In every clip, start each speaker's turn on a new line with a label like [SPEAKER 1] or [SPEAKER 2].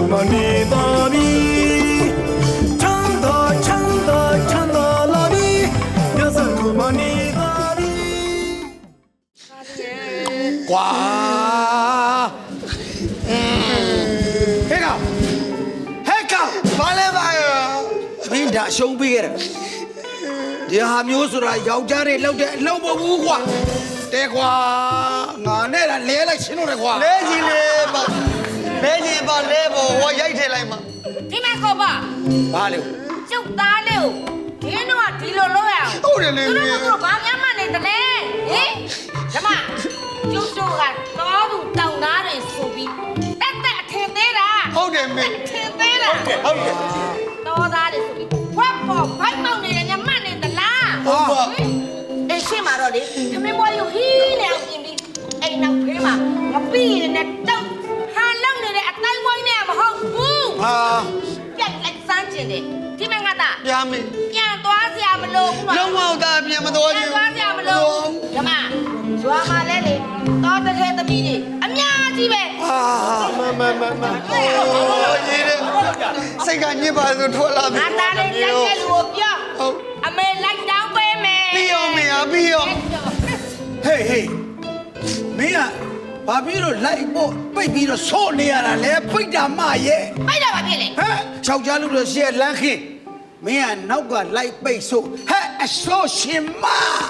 [SPEAKER 1] 고마니다 비 찬다 찬다 찬다 라비 녀석 고마니다 비
[SPEAKER 2] 와 해가
[SPEAKER 3] 말해 봐요.
[SPEAKER 2] 민다 쇼비게라 야 묘수라 여자를 lâu bộ vũ quả để qua ngã này là lé lại xin rồi qua
[SPEAKER 3] 내 집에 내보 와 야이 대라이마.
[SPEAKER 4] ဒီမှာခေါ်ပါ
[SPEAKER 2] ba liều
[SPEAKER 4] ကျုပ်သားလေးကိုဒီတော့ကဒီလိုလုပ်ရအောင်
[SPEAKER 3] ဟုတ်တယ်လေ
[SPEAKER 4] သူတို့ဘာများမှနေတယ်လဲဟင်ဓမ္မကျုပ်တို့ကတော့သူတောင်းသားတွေဆိုပြီးတက်တက်အထင်သေးတာ
[SPEAKER 3] ဟုတ်တယ်မေ
[SPEAKER 4] အထင်သေးတာဟုတ်တယ်တော်သားတွေဆိုပြီးဖွက်ပေါ်ဘိုက်မောက်နေတယ်ညမှတ်နေသလား
[SPEAKER 3] ဟုတ်ပါ
[SPEAKER 4] အေးရှင်းမှာတော့လေသမင်းဘွားရုပ်ဟီးနေအောင်ပြင်ပြီးအိမ်နောက်ဖေးမှာမပြီးရင်လည်းတောက်ဟာလုံနေတဲ့အတိုင်းဝိုင်းနဲ့မဟုတ်ဘူး
[SPEAKER 2] à
[SPEAKER 4] ပြက်လိုက်စမ်းကျင်တယ်ဒီမငါတာ
[SPEAKER 3] ပြာမေ
[SPEAKER 4] ပြန်သွားစရာမလိုဘူးနော်
[SPEAKER 3] လုံးဝသားပြန်မတော်
[SPEAKER 4] ပြန်
[SPEAKER 3] ဘူး
[SPEAKER 4] သွားစရာမလိုဘူးဓမ္မရွာမှာလဲလေတော်တဲ့ခဲသမီးတွေအများကြီးပဲ
[SPEAKER 3] โอ้ရေးတယ်စိတ်ကညစ်ပါဆိုထွက်လာပြီ
[SPEAKER 4] ငါသားလေးလိုက်တဲ့လူကိုပြော
[SPEAKER 3] ဟုတ်
[SPEAKER 4] အမေလိုက်တောင်းပေးမယ်
[SPEAKER 3] ပြီးရောမေပြီးရော
[SPEAKER 2] hey hey မင်းကဘာပြီးတော့လိုက်ဖို့ပိတ်ပြီးတော့ဆော့နေရတာလဲပိတ်တာမရဲ့
[SPEAKER 4] ပိုက်တော့ပါဖြစ်လေ
[SPEAKER 2] ဟဲ့ချောက်ကြားလို့တော့ရှေ့လမ်းခင်းမင်းကနောက်ကလိုက်ပိတ်ဆို့ဟဲ့အဆော့ရှင်မ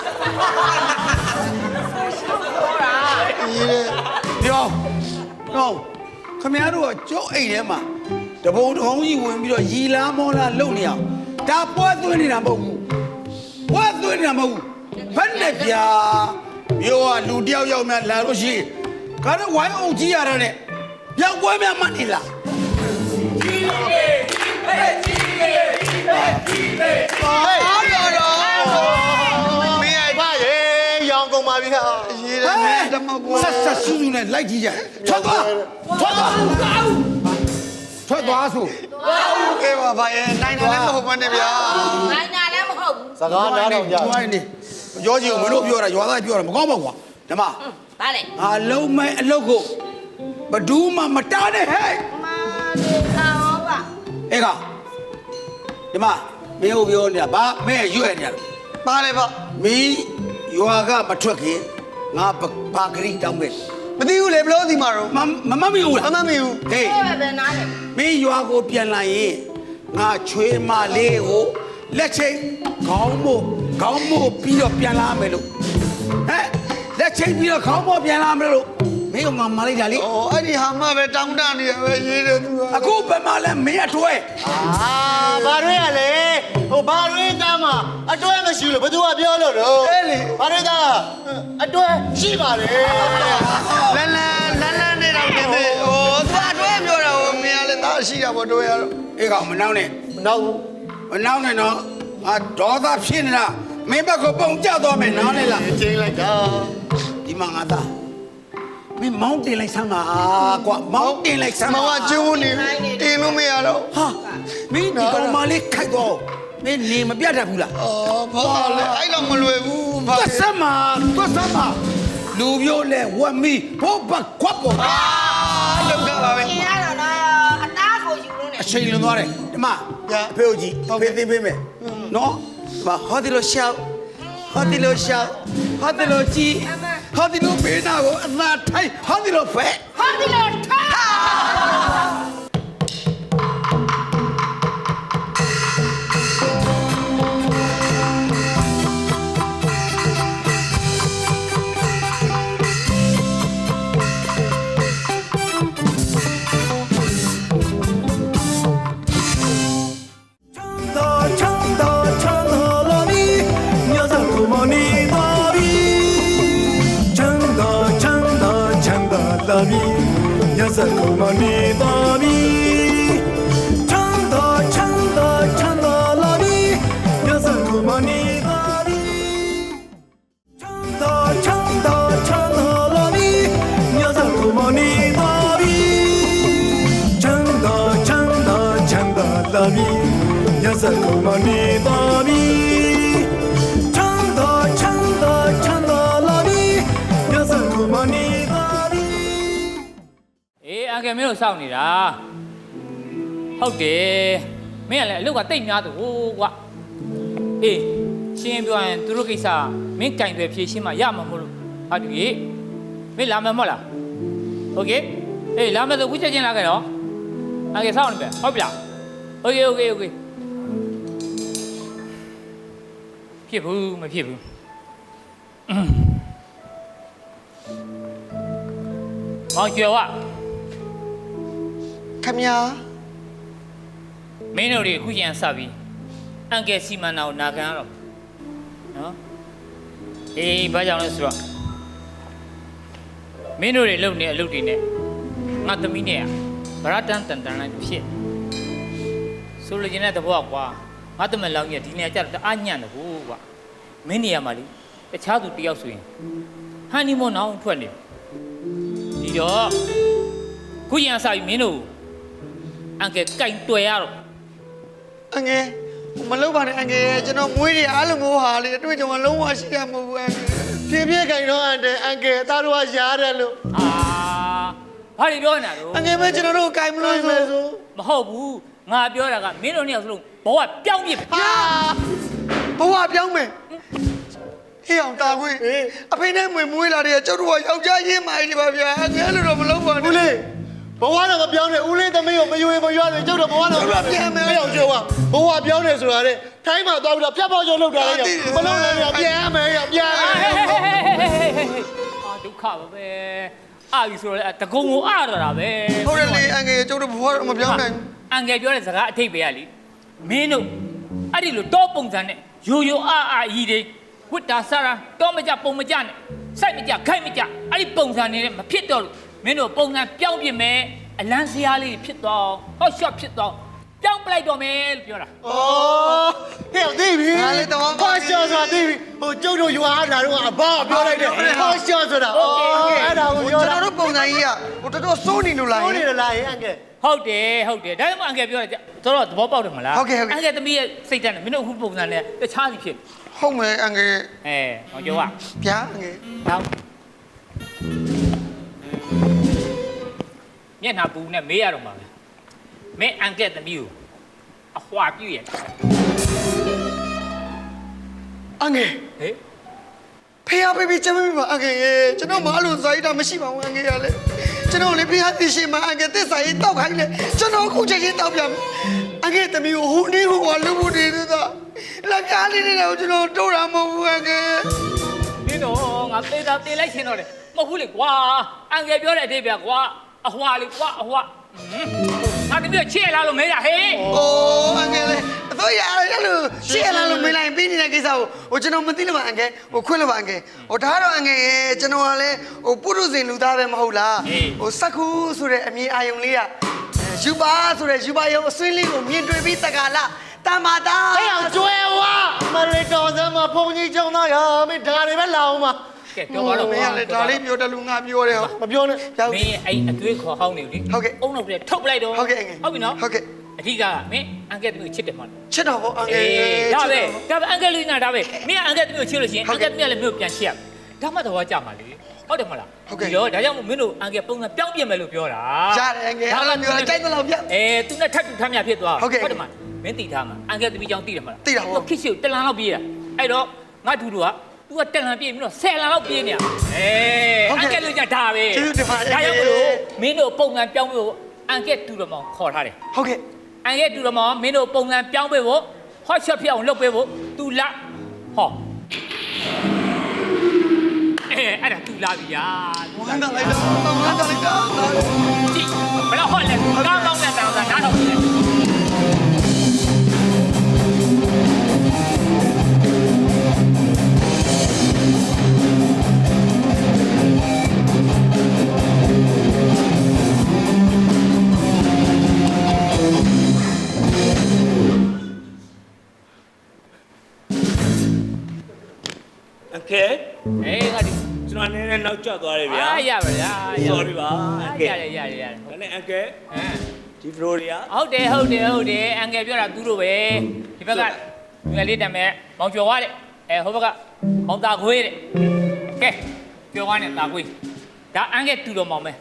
[SPEAKER 3] ရေးတယ်
[SPEAKER 2] ပြောတော့ခမရတို့ကကျုပ်အိမ်ထဲမှာတဘုံတဘုံကြီးဝင်ပြီးတော့ရီလားမောလားလုံနေအောင်ဒါပွဲသွင်းနေတာမဟုတ်ဘူးပွဲသွင်းနေတာမဟုတ်ဘူးဘယ်နဲ့ဗျာမျိုးကလူတယောက်ယောက်များလာလို့ရှိရင်ကတော့ဝိုင်းအောင်ကြီးရတာနဲ့ပြောင်းပွဲများမှတ်နေလား
[SPEAKER 3] အားရတော့မင်းအဲ့
[SPEAKER 5] ဖရေရောင်ကုန်ပါပြီဟာ
[SPEAKER 3] ရေးတယ်မေတမကွာ
[SPEAKER 2] ဆက်ဆက်ဆူဆူနဲ့လိုက်ကြည့်ကြထွက်သွားထွက်သွားထွက်သွားဆို
[SPEAKER 3] ကဲပါဗျာနိုင်တယ်လည်းမဟုတ်ပါနဲ့ဗျာ
[SPEAKER 4] နိုင်တာလည်းမဟုတ်ဘူး
[SPEAKER 5] စကားနားထောင်ကြ
[SPEAKER 2] ဝိုင်းနေရောကြီးကိုမင်းတို့ပြောတာရွာသားပြောတာမကောင်းပါဘူးကွာဓမ္မ
[SPEAKER 4] ဗါလေ
[SPEAKER 2] အာလုံးမဲအလုတ်ကိုဘဒူးမှမတားနဲ့ဟဲ့
[SPEAKER 4] မာဒီကောပါ
[SPEAKER 2] အေးကဒီမှာမင်းတို့ပြောနေတာဗာမဲရွက်နေတာ
[SPEAKER 3] ပါလေဗျ
[SPEAKER 2] မင်းရွာကမထွက်ခင်ငါဘာဂရိတောင်းပဲ
[SPEAKER 3] မသိဘူးလေဘလို့ဒီမှာတော့
[SPEAKER 2] မမမီဘူးလား
[SPEAKER 3] မမီဘူး
[SPEAKER 2] ဟေး
[SPEAKER 4] အဲ့ပဲနားလေ
[SPEAKER 2] မင်းရွာကိုပြန်လာရင်ငါချွေးမလေးကိုလက်ချိတ်ခေါင်းမို့ပြီးတော့ပြန်လာမယ်လို့ဟဲ့လက်ချိတ်ပြီးတော့ခေါင်းမို့ပြန်လာမယ်လို့မင်းကငါမလိုက်တာလေ
[SPEAKER 3] อ๋อအဲ့ဒီဟာမှပဲတောင်းတနေရပဲရေးတယ်သူက
[SPEAKER 2] အခုဘယ်မှာလဲမင်းအတွဲ
[SPEAKER 5] အာဘာတွေရလဲဟိုဘာတွေသားမှာအတွဲမရှိလို့ဘသူကပြောလို့တော့
[SPEAKER 3] အဲ့လေ
[SPEAKER 5] ဘာတွေသားအတွဲရှိပါလေ
[SPEAKER 3] လန်းနေတော့တင်သေးဟိုသူအတွဲပြောတာဟိုမင်းကလည်းသားရှိတာပေါ့တွဲရတော့
[SPEAKER 2] အေးကောင်မနှောင်းနဲ့
[SPEAKER 5] မနောက်ဘူး
[SPEAKER 2] မနှောင်းနဲ့တော့ငါဒေါသဖြစ်နေတာမင်းဘက်ကပုံကြသွားမယ်နားလေလား
[SPEAKER 5] ချင်းလိုက်တာ
[SPEAKER 2] ဒီမှာငါသားမင်းမောင်းတင်လိုက်စမ်းပါကွာမောင်းတင်လိုက်စမ်း
[SPEAKER 3] မော
[SPEAKER 2] ပါ
[SPEAKER 3] င်ကကျိုးနေတင်လို့မရတော့
[SPEAKER 2] ဟာမင်းဒီကောင်မလေးခိုက်တော့မင်းနေမပြတ်တတ်ဘူးလား
[SPEAKER 3] အော်ဘာလဲအဲ့တော့မလွယ်ဘူးဘာ
[SPEAKER 2] သွတ်စမ်းပါလူမျိုးလဲဝက်မီဘိုးဘခွက်ပေါ်
[SPEAKER 3] လောက်ကပါပဲ
[SPEAKER 4] ကျင်ရတော့နော်အသားကိုယူလို့နေ
[SPEAKER 2] အချိန်လွန်သွားတယ်ဒီမှာအဖေကိုကြည့်အဖေသိပေးမယ်နော်ဒီမှာဟောဒီလိုရှောက်ဟောဒီလိုရှောက်ဟောဒီလိုကြည့်ဟောဒီလိုပေးတာကိုအသာထိုင်ဟောဒီလိုဖဲ
[SPEAKER 4] ဟောဒီလိုထား
[SPEAKER 1] 찬다 찬다 찬다 라비 녀석 고마니다 비 찬다 찬다 찬다 라비 녀석 고마니다 비 찬다 찬다 찬다 라비 녀석 고마니다 비 찬다 찬다 찬다 라비 녀석 고마니다 비 찬다 찬다 찬다 라비 녀석 고마니다 비 찬다 찬다 찬다 라비 녀석 고마니다 비
[SPEAKER 6] အေးအန်ကယ်မင်းတို့စောင့်နေတာဟုတ်တယ်မင်းကလည်းအလုပ်ကတိတ်များသူဟိုကွာအေးရှင်းပြောရင်သူတို့ကိစ္စမင်းကင်တွေဖြေရှင်းမှရမှာမဟုတ်လို့ဟာတူကြီးမင်းလာမယ်မဟုတ်လားโอเคအေးလာမယ်ဆိုဝိချက်ချင်းလာခဲ့တော့โอเคစောင့်နေပဲဟုတ်ပြီလားโอเคဖြစ်ဘူးမဖြစ်ဘူးမောင်ကျော်က
[SPEAKER 3] ခမညာ
[SPEAKER 6] မင်းတို့တွေအခုကျန်စပြီအန်ကယ်စီမန်နာကိုနာခံရတော့နော်အေးဘာကြောင့်လဲဆိုတော့မင်းတို့တွေလုပ်နေအလုပ်တွေနဲ့ငါသမီးနဲ့ဗရတန်တန်လိုက်ဖြစ်ဆိုလိုချင်တဲ့သဘောကွာငါသမက်လောင်းကြီးဒီနေရာကျတော့အားညံ့တယ်ဘူးကွာမင်းနေရာမှာလေတခြားသူတယောက်ဆိုရင်ဟန်နီမွန်းအောင်ထွက်နေဒီတော့ခုကျန်စပြီမင်းတို့အန်ကယ်ကင်တွေ့ရတော့
[SPEAKER 3] အငယ်မလုပ်ပါနဲ့အငယ်ကျွန်တော်မွေးတွေအားလုံးဟာလေအတွေ့အကြုံကလုံးဝရှိရမဟုတ်ဘူးအငယ်ဖြည်းဖြည်းခိုင်တော့အန်ကယ်သားတို့ကရားတယ်လို့
[SPEAKER 6] ဘာတွေပြောနေတာတော့
[SPEAKER 3] အငယ်ပဲကျွန်တော်တို့ကိုင်မလို့ဆို
[SPEAKER 6] မဟုတ်ဘူးငါပြောတာကမင်းတို့နှစ်ယောက်စလုံးဘဝပြောင်းပြစ်ပဲ
[SPEAKER 3] ဟာဘဝပြောင်းမယ်ဟေးအောင်တာခွေအဖေနဲ့မွေးလာတဲ့ကျုပ်တို့ကယောက်ျားရင်းမာကြီးပါဗျာအငယ်လို့တော့မလုပ်ပါနဲ့ဦးလေးဘဝတော့မပြောင်းနဲ့ဦးလေးသမီးကိုမယွေမရွနဲ့ကျုပ်တို့ဘဝတော့ပြန်မယ်အောင်ကျုပ်ကဘဝပြောင်းနေဆိုတာလေထိုင်းမှာသွားပြီးတော့ဖြတ်ပေါက်ကျုံလောက်တာလေမလုပ်နဲ့ပြန်မယ်ပြန်မယ်
[SPEAKER 6] ဒုက္ခပါပဲအာယူဆိုတော့တကုံကိုအားရတာပဲ
[SPEAKER 3] ဟုတ်တယ်လေအငယ်ကျုပ်တို့ဘဝတော့မပြောင်းနိုင်ဘူး
[SPEAKER 6] အန်ကယ်ပြောတဲ့စကားအထိပ်ပဲကလေမင်းတို့အဲ့ဒီလိုတော့ပုံစံနဲ့ယိုအာကြီးတွေဝစ်တာဆရာတော့မကြပုံမကြနဲ့စိုက်မကြခိုက်မကြအဲ့ဒီပုံစံနဲ့မဖြစ်တော့လို့မင်းတို့ပုံစံပြောင်းပြစ်မယ်အလန်းစရာလေးဖြစ်သွားဟော့ရှော့ဖြစ်သွားပြောင်းပလိုက်တော့မယ်လို့ပြောတာ
[SPEAKER 3] ဩဟဲ့သိပြီငါလည်းတော့ဟောရှော့ဆိုတာသိပြီဟိုကျုပ်တို့ရွာလာတော့အဘပြောလိုက်တယ်ဟောရှော့ဆိုတာအဲ့ဒါကိုကျွန်တော်တို့ပုံစံကြီးကဟိုတော်တော်စိုးနေလို့လားစိုးနေလို့လားအငယ်
[SPEAKER 6] ဟုတ်တယ်ဒါမှအန်ကယ်ပြောတယ်တော်သဘောပေါက်တယ်မလားအန်ကယ်သမီးရဲ့စိတ်ဓာတ်နဲ့မင်းတို့အခုပုံစံနဲ့တခြားစီဖြစ်
[SPEAKER 3] ဟုတ်မယ်အငယ်
[SPEAKER 6] ဟောကျော်က
[SPEAKER 3] ဗျာအငယ်
[SPEAKER 6] တော့မျက်နှာပူနဲ့မေးရတော့မှာပဲမင်းအန်ကယ်သမီးကိုအဟွာပြည့်ရ
[SPEAKER 3] အငယ်
[SPEAKER 6] ဟေး
[SPEAKER 3] ဖေးဖေးချမ်းမပါအငယ်ကျွန်တော်မအဲ့လိုဇာတ်တာမရှိပါဘူးအငယ်ရလေကျွန်တော်လေဖေးသိရှိမှအငယ်သစ္စာရေးတောက်ခိုင်းလေကျွန်တော်အခုချက်ချင်းတောက်ပြမယ်အငယ်သမီးကိုဟိုနေဟိုကလူမှုတွေသာလက်ပြားလေးတွေတော့ကျွန်တော်တိုးတာမဟုတ်ဘူးအငယ်
[SPEAKER 6] ဒီတော့ငါသေးတာတေးလိုက်ရှင်တော့တယ်မဟုတ်ဘူးလေကွာအန်ကယ်ပြောတဲ့အတိတ်ပဲကွာအဟွာလေကွာအဟွာငါတမီးချစ်လာလို့မေးတာဟေး
[SPEAKER 3] ။အိုးအငယ်လေးအတော့ရတယ်လို့ရှေ့လာလို့မင်းလိုက်ပြီးနေတဲ့ကိစ္စကိုဟိုကျွန်တော်မသိလို့ပါအငယ်ဟိုခွင့်လို့ပါအငယ်ဟိုဒါတော့အငယ်ရဲ့ကျွန်တော်ကလည်းဟိုပုရုဇဉ်လူသားပဲမဟုတ်လားဟိုစက္ခုဆိုတဲ့အမည်အာယုံလေးကယူပါဆိုတဲ့ယူပါရုံအစွင်းလေးကိုမြင်တွေ့ပြီးတက္ကလာတမတာဟဲ့အောင်ကျွဲဝါမလေးတော်စမ်းမှာဘုံကြီးကြောင်းသားရမင်းဒါတွေပဲလာအောင်ပါ
[SPEAKER 6] ကဲပြောပါတော့
[SPEAKER 3] မင်းကလည်းဒါလေးပြောတယ်လူငါပြောတယ်ဟောမပြောနဲ့
[SPEAKER 6] မင်းအဲ့အသွေးခေါ်ဟောင်းနေလေအုံနောက်ပြထုတ်ပလိုက်တော့
[SPEAKER 3] ဟုတ်ကဲ့အငယ်
[SPEAKER 6] ဟုတ်ပြီနော်
[SPEAKER 3] ဟုတ်ကဲ့
[SPEAKER 6] အဓိကမင်းအန်ကယ်သမီးကိုချစ်တယ်မဟုတ်
[SPEAKER 3] ချစ်တော်ဗောအငယ်
[SPEAKER 6] ဒါပဲအန်ကယ်လူနာဒါပဲမင်းအန်ကယ်သမီးကိုချစ်လို့ရှိရင်အန်ကယ်သမီးကလည်းမင်းကိုပြန်ချစ်ရဒါမှတော့ကြမှာလေဟုတ်တယ်မဟုတ်လားဒီတော့ဒါကြောင့်မင်းတို့အန်ကယ်ပုံစံပြောင်းပြင်မယ်လို့ပြောတာ
[SPEAKER 3] ရတယ်အငယ်အဲ့လိုမျိုးကြိုက်တယ်လို့ပြ
[SPEAKER 6] သူနဲ့ထပ်တူထမ်းမြဖြစ်သွားတယ်မမင်းတီထားမှာအန်ကယ်သမီးကြောင့်တီးတယ်မလားခစ်ရှိတလန်လောက်ပြေးတာအဲ့တော့ငါဒူတို့ကသူကတလန်ပြေးပြီးတော့10လန်လောက်ပြေးနေတာအန်ကယ်လူကြဒါပဲဒါကြောင့်မလို့မင်းတို့ပုံစံပြောင်းဖို့အန်ကယ်တူတော်မောင်ခေါ်ထားတယ်
[SPEAKER 3] ဟုတ်ကဲ့
[SPEAKER 6] အန်ကယ်တူတော်မောင်မင်းတို့ပုံစံပြောင်းပေးဖို့ဟော့ရှော့ဖြစ်အောင်လုပ်ပေးဖို့သူလာဟောအဲ့ဒါသူလာပြီယာ
[SPEAKER 3] ဝမ်းသာလိုက်တော့ဝမ်းသာလိုက်တော့
[SPEAKER 6] ကြည့်ဘယ်တော့ဟော့လဲကောင်းကောင်းနဲ့တောင်းတာနားထောင်နေတယ်
[SPEAKER 7] โอเค
[SPEAKER 6] ငါဒီ
[SPEAKER 7] ကျွန်တော်နည်းနည်းနောက်ကျသွားတယ်ဗျာ
[SPEAKER 6] ရပါဗျာ
[SPEAKER 7] sorry ပါโอเค
[SPEAKER 6] ရတယ်
[SPEAKER 7] ဒါနဲ့အန်ကယ်ဒီဖလိုတွေက
[SPEAKER 6] ဟုတ်တယ်အန်ကယ်ပြောတာသူတို့ပဲဒီဘက်ကငယ်လေးတမ်းမဲ့မောင်ကျော်ွားတဲ့ဟိုဘက်ကမောင်သားခွေးတဲ့ကဲပြောွားနဲ့သားခွေးဒါအန်ကယ်တူတော်မောင်ပဲ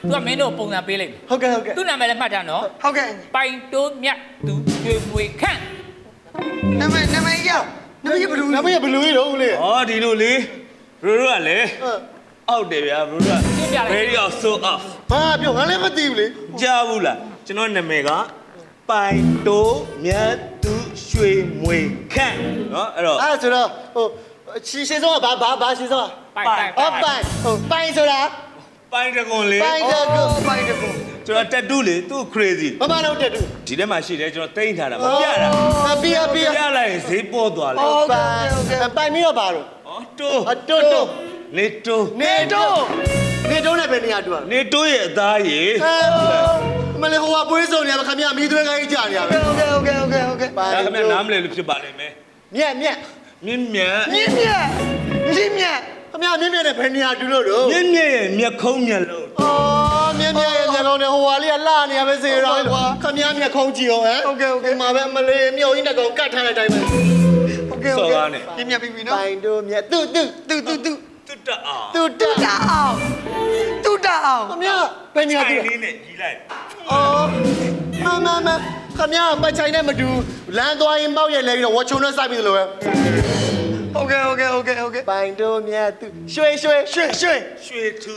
[SPEAKER 6] သူကမင်းတို့ပုံစံပေးလိုက်မယ်
[SPEAKER 5] ဟုတ်ကဲ့ဟုတ်ကဲ့
[SPEAKER 6] သူ့နာမည်လည်းမှတ်ထားနော်
[SPEAKER 3] ဟုတ်ကဲ့
[SPEAKER 6] ပိုင်တိုးမြတ်သူရွှေမွေခန့်
[SPEAKER 3] နာမည်ရောက်နာမည်ဘယ်လို
[SPEAKER 5] နမရဘလူကြီးတော့ဦးလေး
[SPEAKER 7] ဩဒီလိုလေဘရိုတို့ကလေအောက်တယ်ဗျာဘရိုတို့က very off so off
[SPEAKER 5] ဘာပြောငါလည်းမသိဘူးလေ
[SPEAKER 7] ကြားဘူးလားကျွန်တော်နာမည်ကပိုင်တိုးမြတ်သူရွှေမွေခန့်နော်အဲ့တော့
[SPEAKER 5] အဲ့ဆိုတော့ဟိုရှင်းဆုံးကဘာရှင်းဆုံး
[SPEAKER 6] ပိုင်
[SPEAKER 5] အော်ပိုင်ဟိုပိုင်ဆိုတာ
[SPEAKER 7] ပိုင်တကွန်လေ
[SPEAKER 5] ပိုင်တကူ
[SPEAKER 3] ပိုင်တကူ
[SPEAKER 7] ကျွန်တော်တက်တူးလေသူ့ crazy
[SPEAKER 5] မမတော့တက်တူ
[SPEAKER 7] ဒီထဲမှာရှိတယ်ကျွန်တော်တိမ့်ထားတာမပြတာ
[SPEAKER 5] ပြ
[SPEAKER 7] ပြလိုက်ရင်ဈေးပေါ်သွားလေ
[SPEAKER 5] ပိုင်ပြီးတော့ပါတော့
[SPEAKER 7] ဩတိုး
[SPEAKER 5] တိုး
[SPEAKER 7] နေတိုး
[SPEAKER 5] နေတိုးနဲ့ပဲနေရတူပါ
[SPEAKER 7] နေတိုးရဲ့အသားရေ
[SPEAKER 5] မလေးဟိုကပွေးစုံနေရခမရမီးသွဲခိုင်းကြနေရပဲ
[SPEAKER 3] ဟုတ်ကဲ့
[SPEAKER 7] ဒါခင်ဗျနားမလဲလို့ဖြစ်ပါလိမ့်မယ်
[SPEAKER 5] မြက်
[SPEAKER 7] မြင့်မြတ်
[SPEAKER 3] မြင့်မြတ်ခမရ
[SPEAKER 5] ခမရမြက်နဲ့ဘယ်နေရတူလို့တော့
[SPEAKER 7] မြင့်မြတ်ရဲ့မျက်ခုံးမျက်လုံး
[SPEAKER 5] အော်မြက်ရဲ့ညလုံးနဲ့ဟိုဟာလေးကလှနေရပဲစေရောခမရမျက်ခုံးကြည့်အောင်ဟမ်ဒီမှာပဲမလေးမြို့ကြီးနဲ့ကောင်ကတ်ထားတဲ့အတိုင်းပဲ
[SPEAKER 3] ဟုတ်ကဲ့
[SPEAKER 7] စော်ကားနဲ့
[SPEAKER 3] မြင့်မြတ်ပြီနော်
[SPEAKER 5] ပိုင်တို့မြက်သူ
[SPEAKER 3] တူ
[SPEAKER 7] တွတ်တအောင်
[SPEAKER 5] တူတ
[SPEAKER 3] တအောင်
[SPEAKER 5] ခမရဘယ်နေရတူ
[SPEAKER 7] လေးနဲ့ကြီးလိုက်
[SPEAKER 5] အော်မခမရပတ်ချိုင်နဲ့မတူလမ်းသွားရင်ပေါက်ရလဲပြီးတော့ဝချုံနဲ့စိုက်ပြီးလို့ပဲ
[SPEAKER 3] ဟုတ်ကဲ့
[SPEAKER 5] ပိုင်တို့မြက်သူရွှေ
[SPEAKER 7] ရွှေထူး
[SPEAKER 3] ရွှေတူ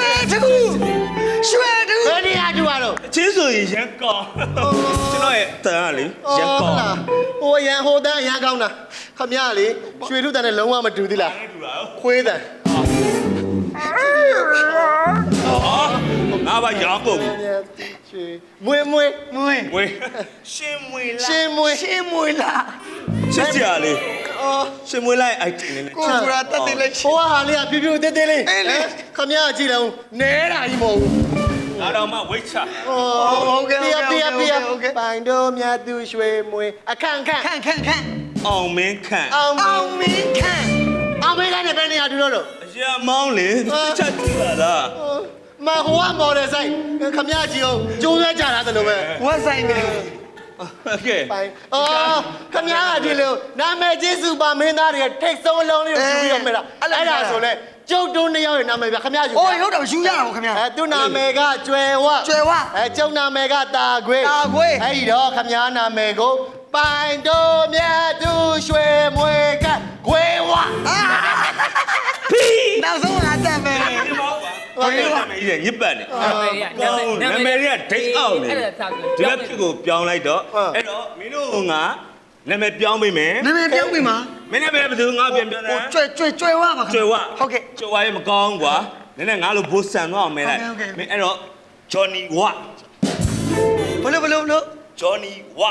[SPEAKER 5] ဘယ်နေရတူရတော့
[SPEAKER 7] အချင်းဆိုရင်ရန်ကောင်းကျွန်တော်ရဲ့တန်ကလေရန်ကောင်း
[SPEAKER 5] ဟိုရန်ဟိုတန်းရန်ကောင်းတာခမရလေရွှေထုတန်နဲ့လုံးဝမတူသေးလား
[SPEAKER 7] တူတာ
[SPEAKER 5] ခွေးတန်
[SPEAKER 7] ငါဘာရောင်းကုန်
[SPEAKER 5] ရွှေမွေ
[SPEAKER 3] မွေ
[SPEAKER 7] ဝေးရှင်းမွေလား
[SPEAKER 5] ရှင်းမွေ
[SPEAKER 3] ရှင်းမွေလား
[SPEAKER 7] ချစ်ကြလေ
[SPEAKER 5] အော်
[SPEAKER 7] ရှင်းမွေလိုက်အိုက်တင်နေ
[SPEAKER 3] ကိုဆိုတာတက်တယ်လိုက်
[SPEAKER 5] ဟိုဟာလေးကပြပြသေးသေးလေးခမရကြည့်လုံးနဲတာကြီးမဟုတ်ဘူး
[SPEAKER 7] ငါတော့မှဝိတ်ချ
[SPEAKER 3] ဟုတ်ကဲ့
[SPEAKER 5] ပိုင်တို့မြတ်သူရွှေမွေအခန့်
[SPEAKER 3] ခန့်
[SPEAKER 7] အောင်မင်းခန့်
[SPEAKER 3] အောင်မင်းခန့်
[SPEAKER 5] အောင်မေးကနေဘယ်နေရတူတော့လို့
[SPEAKER 7] အရာမောင်းလေချက်ကြည့်လာတာ
[SPEAKER 5] မဟိုကမော်ဒယ်ဆိုင်ခမရကြည့်အောင်ကျိုးဆွဲကြတာတလို့ပဲ
[SPEAKER 3] ဝက်ဆိုင်နေ
[SPEAKER 7] โอเค
[SPEAKER 5] ပိုင်အော်ခမရကဒီလိုနာမည်ကြီးစူပါမင်းသားတွေထိတ်ဆုံးအလုံးလေးကိုယူပြီးတော့မဲ့တာအဲ့ဒါဆိုလဲကျုပ်တို့နှစ်ယောက်ရဲ့နာမည်ပြခမရယူ
[SPEAKER 3] အိုးဟုတ်တယ်ယူရတာပေါ့ခင်ဗျာ
[SPEAKER 5] သူနာမည်ကကျွယ်ဝ
[SPEAKER 3] ကျွယ်ဝ
[SPEAKER 5] ကျုံနာမည်ကတာခွေ
[SPEAKER 3] တာခွေ
[SPEAKER 5] အဲ့ဒီတော့ခမည်းနာမည်ကိုပိုင်တို့မြတ်သူရွှေမွေကခွေဝ
[SPEAKER 3] နောက်ဆုံးလာတက်မယ်
[SPEAKER 7] ဒီမောင်းပါဘာလို့နာမည်ကြီးညစ်ပတ်နေ
[SPEAKER 6] နာမည်က
[SPEAKER 7] ဒိတ်အောင်နေ
[SPEAKER 6] အဲ့ဒါသာဆို
[SPEAKER 7] ဒီလက်ဖြစ်ကိုပြောင်းလိုက်တော့အဲ့တော့မင်းတို့ကနာမည်ပြောင်းပေးမယ်
[SPEAKER 3] နာမည်ပြောင်းပြီမှာ
[SPEAKER 7] မင်းနာမည်ဘယ်သူငါပြန်ပြောတာ
[SPEAKER 3] ကျွဲဝပါ
[SPEAKER 7] ကျွဲဝ
[SPEAKER 3] ဟုတ်ကဲ့
[SPEAKER 7] ကျွဲဝရဲ့မကောင်းကွာနည်းနည်းငါလိုဘိုးဆန်တော့အောင်မဲလိုက်မင်းအဲ့တော့ Johnny Wa
[SPEAKER 3] ဘလို့
[SPEAKER 7] Johnny Wa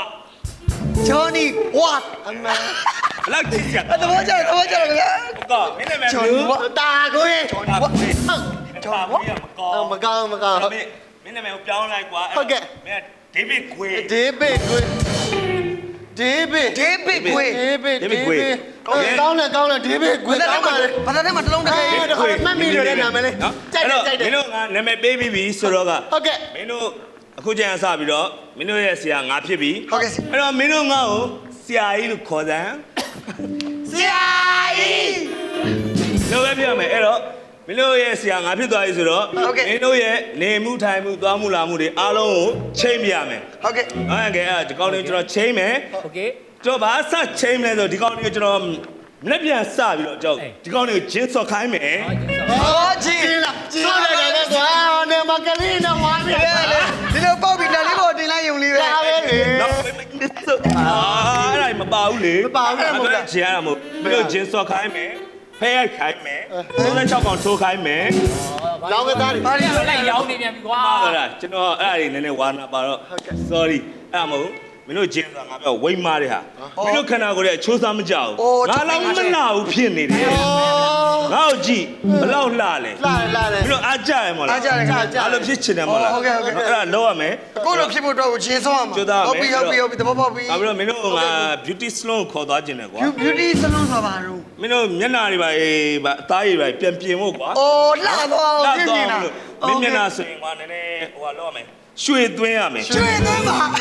[SPEAKER 3] Johnny Watt
[SPEAKER 5] အမှန်
[SPEAKER 7] ဘလောက်ကြည့်ရ
[SPEAKER 3] သဘောကျတယ်ခင်ဗျာ
[SPEAKER 7] ကောမင်းနာမည်
[SPEAKER 3] Johnny Wa
[SPEAKER 5] တာခွေ
[SPEAKER 7] Johnny Wa ကျော်ဝါမကောင်း
[SPEAKER 5] မကောင်း
[SPEAKER 7] မင်းနာမည်ကိုပြောင်းလိုက်ကွာမင်း David Gray
[SPEAKER 5] ဒေးဗစ်ခွေဒေးဗစ်
[SPEAKER 3] David Gray
[SPEAKER 5] ကောင်းတယ်ဒေးဗစ်ခွေကောင်းပါလေ
[SPEAKER 3] ဘာသာထဲမှာတစ်လုံးတစ်ခဲ
[SPEAKER 5] မှတ်မိတယ်နာမည်လေးကြိုက်တယ်
[SPEAKER 7] မင်းတို့ကနာမည်ပေးပြီးပြီဆိုတော့က
[SPEAKER 5] ဟုတ်ကဲ့
[SPEAKER 7] မင်းတို့အခုကျန်စပြီးတော့မင်းတို့ရဲ့ဆရာငါဖြစ်ပြီ
[SPEAKER 3] ဟုတ်ကဲ့
[SPEAKER 7] အဲ့တော့မင်းတို့ငါ့ကိုဆရာကြီးလို့ခေါ်စမ်း
[SPEAKER 3] ဆရာကြီး
[SPEAKER 7] လို့ပဲပြောမယ်အဲ့တော့မင်းတို့ရဲ့ဆရာငါဖြစ်သွားပြီဆိုတော့မင်းတို့ရဲ့နေမှုထိုင်မှုသွားမှုလာမှုတွေအားလုံးကိုချိန်ပြရမယ်
[SPEAKER 3] ဟုတ်ကဲ့
[SPEAKER 7] ဟုတ်ကဲ့အဲ့ဒီကောင်းလေးကျွန်တော်ချိန်မယ်
[SPEAKER 6] โอเค
[SPEAKER 7] ကျွန်တော်ဘာစချိန်မလဲဆိုဒီကောင်းလေးကိုကျွန်တော်လက်ပြန်စပြီးတော့ကျွန်တော်ဒီကောင်းလေးကိုဂျင်းစော်ခိုင်းမယ်
[SPEAKER 3] ဟောကြီး
[SPEAKER 5] ဆောက်တယ်ကွာနေမကလေးနဲ့ဝါနေတယ်လေ
[SPEAKER 3] ဒီလိုပေါက်ပြီးလက်လေးပေါ်တင်လိုက်ယုံလေးပဲ
[SPEAKER 5] ဒါပဲလေ
[SPEAKER 7] နောက်အဲ့ဒါမပါဘူးလေဂျင်းရမှာမဟုတ်ပြီးတော့ဂျင်းစော်ခိုင်းမယ်ဖဲရိုက်ခိုင်းမယ်36កောင်ထိုးခိုင်းမယ်
[SPEAKER 5] လောင်းကသားတွေ
[SPEAKER 3] ဘာလို့
[SPEAKER 6] လိုက်ရောင်းနေပြန်ပြီကွာ
[SPEAKER 7] ဟုတ်လားကျွန်တော်အဲ့ဒါတွေနည်းနည်းဝါနာပါတော့ sorry အဲ့ဒါမဟုတ်မင်းတို့ဂျင်းဆိုတာငါပြောဝိမ့်မားတဲ့ဟာမင်းတို့ခန္ဓာကိုယ်ရဲ့အချိုးစားမကြဘူးငါလောက်မလှဘူးဖြစ်နေတယ်ငါ့ကိုကြည့်ဘလောက်လှလဲ
[SPEAKER 5] လာတယ်
[SPEAKER 7] မင်းတို့အားကြရမလား
[SPEAKER 3] အားကြတယ်ခင်ဗျာ
[SPEAKER 7] အားလို့ဖြစ်ချင်တယ်မဟုတ်လား
[SPEAKER 3] ဟုတ်ကဲ့
[SPEAKER 7] အဲ့ဒါလောက်ရမယ်
[SPEAKER 3] ကိုလိုဖြစ်ဖို့တော့ဂျင်းဆုံးရမှာဟုတ်ပြီသဘောပေါက်ပြီ
[SPEAKER 7] ဒါပြီးတော့မင်းတို့ငါ beauty salon ကိုခေါ်သွားခြင်းတယ်ကွာ
[SPEAKER 3] beauty salon ဆိုတာဘာလို့
[SPEAKER 7] မင်းတို့မျက်နှာတွေပါအသားတွေပါပြန်ပြင်ဖို့ကွာ
[SPEAKER 3] အိုးလှတော့ပြင်နေတာ
[SPEAKER 7] မင်းမျက်နှာဆိုရင်ကွာနည်းနည်းဟိုဟာလောက်ရမယ်ရွှေသွင်းရမယ်
[SPEAKER 3] ကျွေးသွင်းပါ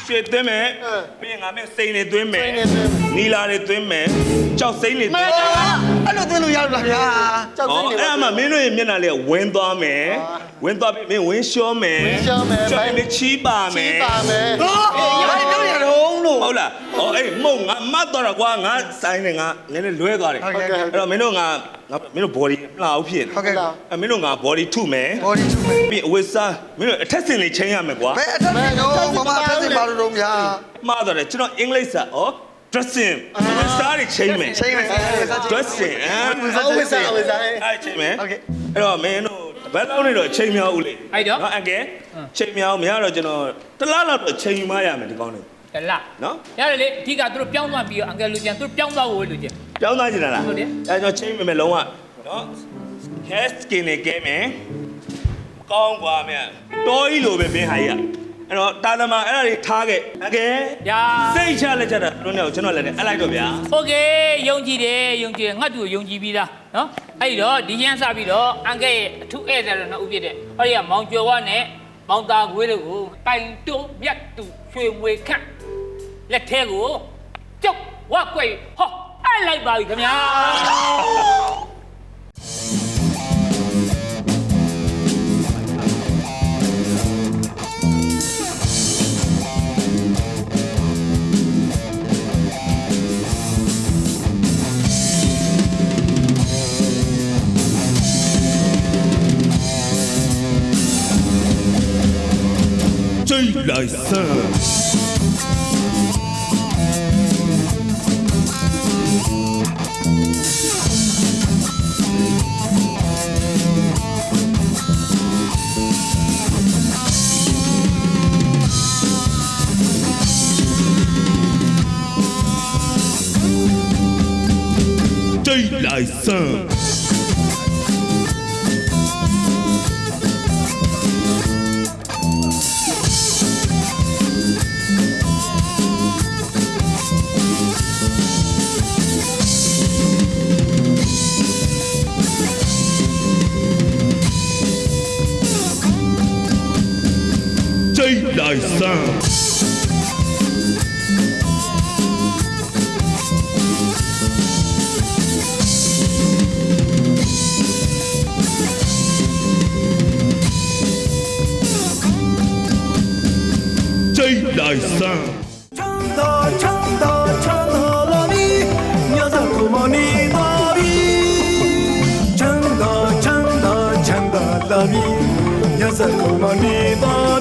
[SPEAKER 7] ရွှေသွင်းမယ်ပြီးရင်ငါမင်းစိန်တွေသွင်းမယ်
[SPEAKER 5] စိန်တွေသွင်းမယ်
[SPEAKER 7] နီလာတွေသွင်းမယ်ကြောက်စိန်တွေသွင်းမယ်
[SPEAKER 3] အဲ့လိုသွင်းလို့ရလို့လားဗျာ
[SPEAKER 5] ကြောက်စိမ့်နေ
[SPEAKER 7] အဲ့အမှမင်းတို့ရဲ့မျက်နှာလေးကဝင်းသွားမယ်ဝင်းသွားပြီးမင်းဝင်းလျှောမယ်
[SPEAKER 5] ဝင်းလျှောမယ်
[SPEAKER 7] ကြောက်ရင်မင်းချီးပါမယ်
[SPEAKER 5] ချီးပါမယ်
[SPEAKER 3] ဟောဘာပြောရတော့လို့
[SPEAKER 7] ဟုတ်လားအေးမုံငါမတ်တော့တာကွာငါဆိုင်နေငါနည်းနည်းလွဲသွားတယ်
[SPEAKER 3] ဟုတ်ကဲ့
[SPEAKER 7] အဲ့တော့မင်းတို့ငါမင်းတို့ body မလာဘူးဖြစ်
[SPEAKER 3] ဟုတ်ကဲ့
[SPEAKER 7] မင်းတို့ငါ body ထုမယ်
[SPEAKER 3] body ထုမယ်
[SPEAKER 7] ပြီးအဝတ်စားမင်းတို့အထက်စင်လေးချိန်ရမယ်ကွာ
[SPEAKER 3] ဘယ်အထက်နဲ့တော့မမအထက်စင်ပါလို့တော့ဗျာ
[SPEAKER 7] မှားတော့တယ်ကျွန်တော်အင်္ဂလိပ်စာဩ dressing ဝတ်စားတွေချိန်မယ်
[SPEAKER 3] ချိန်မယ်
[SPEAKER 7] dressing
[SPEAKER 5] ဝိစားဝိစား
[SPEAKER 7] အဲ့ချိန်မယ်အဲ့တော့မင်းတို့ဘယ်လောက်နေတော့ချိန်မြောက်ဦးလေနော်အကဲချိန်မြောက်မရတော့ကျွန်တော်တစ်လားလောက်တော့ချိန်ယူမရမယ်ဒီကောင်းနေ
[SPEAKER 6] တလား
[SPEAKER 7] နော်
[SPEAKER 6] ရတယ်လေအဓိကသူတို့ပြောင်းသွားပြီးတော့အန်ကယ်လူကျန်သူတို့ပြောင်းသွားဖို့လူကျန်
[SPEAKER 7] ပြောင်းသားချင်တာလား
[SPEAKER 6] ဟုတ်တယ်
[SPEAKER 7] အဲ့တော့ချိန်မယ်လုံးဝနော် hair skin နဲ့ကဲမယ်ကောင်းกว่าမြတ်တော်ကြီးလိုပဲဘင်းဟာကြီးအဲ့တော့တာသမအဲ့ဒါတွေထားခဲ့အကဲ
[SPEAKER 6] ညာ
[SPEAKER 7] စိတ်ချလက်ချတာတို့နဲ့ကျွန်တော်လည်းအဲ့လိုက်တော့ဗျာ
[SPEAKER 6] โอเคယုံကြည်တယ်ယုံကြည်ငါ့တူကိုယုံကြည်ပြီးသားနော်အဲ့တော့ဒီရန်စပြီးတော့အန်ကယ်ရဲ့အထူးဧည့်သည်တော်နှစ်ဦးဖြစ်တဲ့ဟောဒီကမောင်ကျော်ဝါနဲ့မောင်သားခွေးတို့ကိုတိုင်တုံးမြတ်တူရွှေမွေခန့်လက်ထဲကိုကျုပ်ဝက်ကွယ်ဟောအဲ့လိုက်ပါပြီခင်ဗျာ
[SPEAKER 1] 追来生。追来生。追来生。追来生。唱到唱到唱到了你，鸟在鼓膜你到底。唱到唱到唱到了你，鸟在鼓膜你到。